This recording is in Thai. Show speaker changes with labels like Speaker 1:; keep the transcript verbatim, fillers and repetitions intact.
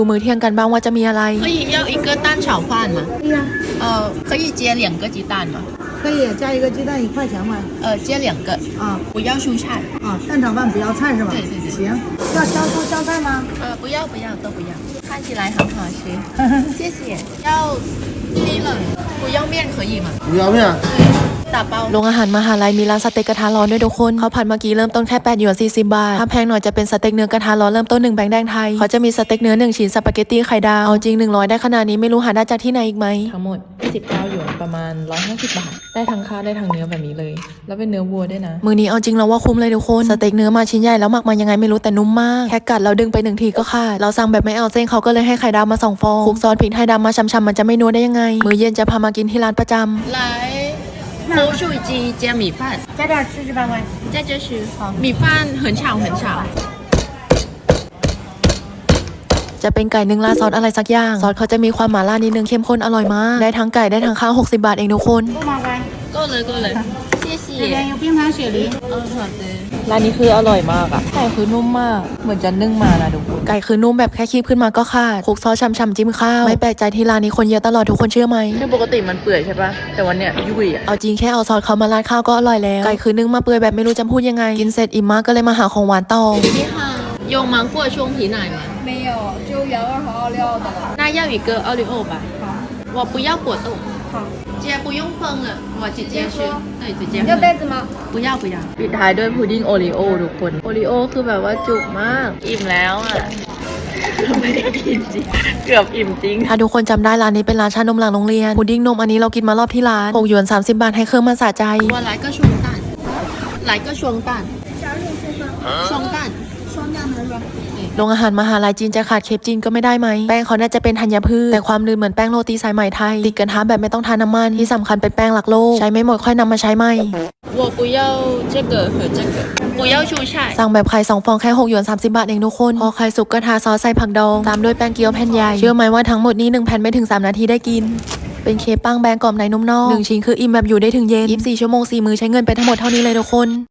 Speaker 1: ดูมื้อเที่ยงกันบ้างว่าจะมีอะไร
Speaker 2: 可以要一个蛋炒饭吗？
Speaker 3: 对呀、
Speaker 2: 呃，可以接两个鸡蛋吗？
Speaker 3: 可以加一个鸡蛋一块钱吗？
Speaker 2: 呃，接两个。
Speaker 3: 啊
Speaker 2: 不要蔬菜。
Speaker 3: 啊，蛋炒饭不要菜是吧？
Speaker 2: 对对对
Speaker 3: 行，要香菇香菜吗？
Speaker 2: 呃，不要不要都不要，看起来很好吃。谢谢。要低冷，不要面可以吗？
Speaker 4: 不要面。
Speaker 2: 打包。
Speaker 1: โรงอาหารมหาลัยมีร้านสเต็กกระทะร้อนด้วยทุกคนเขาผัดเมื่อกี้เริ่มต้นแค่แปดหยวนสี่สิบบาทถ้าแพงหน่อยจะเป็นสเต็กเนื้อกระทะร้อนเริ่มต้นหนึ่งแบงค์แดงไทยเขาจะมีสเต็กเนื้อหนึ่งชิ้นสปาเกตตี้ไข่ดาวเอาจริงหนึ่งร้อยได้ขนาดนี้ไม่รู้หาได้จากที่ไหนอีกไหมทั้งหมดยี่สิบเก้าหยวนประมาณหนึ่งร้อยห้าสิบบาทได้ทั้งข้าวได้ทั้งเนื้อแบบนี้เลยแล้วเป็นเนื้อวัวด้วยนะมื้อนี้เอาจริงเราว่าคุ้มเลยทุกคนสเต็กเนื้อมาชิ้นใหญ่แล้วหมักมายังไงไม่รู้แต่นุ่มมากแค่กัดเราดึงไปหนึ่งทีก็ขาดเราสั่งแบบไม่เอาเส้นเขาก็เลยให้ไข่ดาวมาสองฟองคลุกซอสพริกไทยดำมาช้ำๆมันจะไม่นัวได้ยังไงมื้อเย็นจะพามากินที่ร้านประจำ
Speaker 2: 来，红薯鸡加米饭，
Speaker 3: 加点吃十八块。
Speaker 2: 在这是好，米饭很炒很炒。
Speaker 1: จะเป็นไก่นึ่งราดซอสอะไรสักอย่างซอสเขาจะมีความหม่าล่านิดนึงเข้มข้นอร่อยมากได้ทั้งไก่ได้ทั้งข้าวหกสิบบาทเองทุกคน
Speaker 3: 不麻烦。
Speaker 2: 够了够了，谢谢。
Speaker 3: 这边有冰糖雪梨。
Speaker 2: 嗯，好的。
Speaker 1: ร้านนี้คืออร่อยมากอะไก่คือนุ่มมากเหมือนจะนึ่งมานะทุกคนไก่คือนุ่มแบบแค่คีบขึ้นมาก็ขาดคลุกซอสช่ำๆจิ้มข้าวไม่แปลกใจที่ร้านนี้คนเยอะตลอดทุกคนเชื่อไหม
Speaker 2: คือปกติมันเปื่อยใช่ปะแต่วันเนี้ยยุ่ยอ่ะ
Speaker 1: เอาจริงแค่เอาซอสเขามาราดข้าวก็อร่อยแล้วไก่คือนึ่งมาเปื่อยแบบไม่รู้จะพูดยังไงกินเสร็จอิ่มมากก็เลยมาหาของหวานต่อ
Speaker 2: 你好，有芒果松皮奶吗？
Speaker 3: 没有，只有原味和奥利奥的。
Speaker 2: 那要一个奥利奥吧。
Speaker 3: 好，
Speaker 2: 我不要果冻。
Speaker 3: 好，
Speaker 2: 姐不用分了，我直接吃。对，直接
Speaker 3: 要袋子吗？
Speaker 2: 不要不要。ปิดท้ายด้วยพุดดิ้งโอรีโอทุกคนโอรีโอคือแบบว่าจุกมากอิ่มแล้วอ่ะไม่ได้กินจริงเกือบอิ่มจริง
Speaker 1: ถ้าทุกคนจำได้ร้านนี้เป็นร้านชานมหลังโรงเรียนพุดดิ้งนมอันนี้เรากินมารอบที่ร้านหกหยวนสามสิบบาทให้เครื่องมันสะใจ
Speaker 2: 我来个双蛋来个双蛋双蛋
Speaker 3: 双酱的是吧？
Speaker 1: โรงอาหารมหาลัยจีนจะขาดเคปจีนก็ไม่ได้ไหมแป้งเขาน่าจะเป็นธัญพืชแต่ความลื่นเหมือนแป้งโรตีสายไหมไทยติดกระทะแบบไม่ต้องทาน้ำมันที่สำคัญเป็นแป้งหลักโลกใช้ไม่หมดค่อยนำมาใช้ใหม่
Speaker 2: 我不要这个和这个不要蔬菜
Speaker 1: สั่งแบบไข่สองฟองแค่หกหยวนสามสิบบาทเองทุกคนพอไข่สุกก็ทาซอสใส่ผักดองตามด้วยแป้งเกี๊ยวแผ่นใหญ่เชื่อไหมว่าทั้งหมดนี้หนึ่งแผ่นไม่ถึงสามนาทีได้กินเป็นเคปปังแบงกรอบในนุ่มนอกหนึ่งชิ้นคืออิ่มแบบอยู่ได้ถึงเย็นยี่สิบสี่ชั่วโมงสี่มื้อใช้เงินไปทั้งหมดเท่านี้เลยทุกคน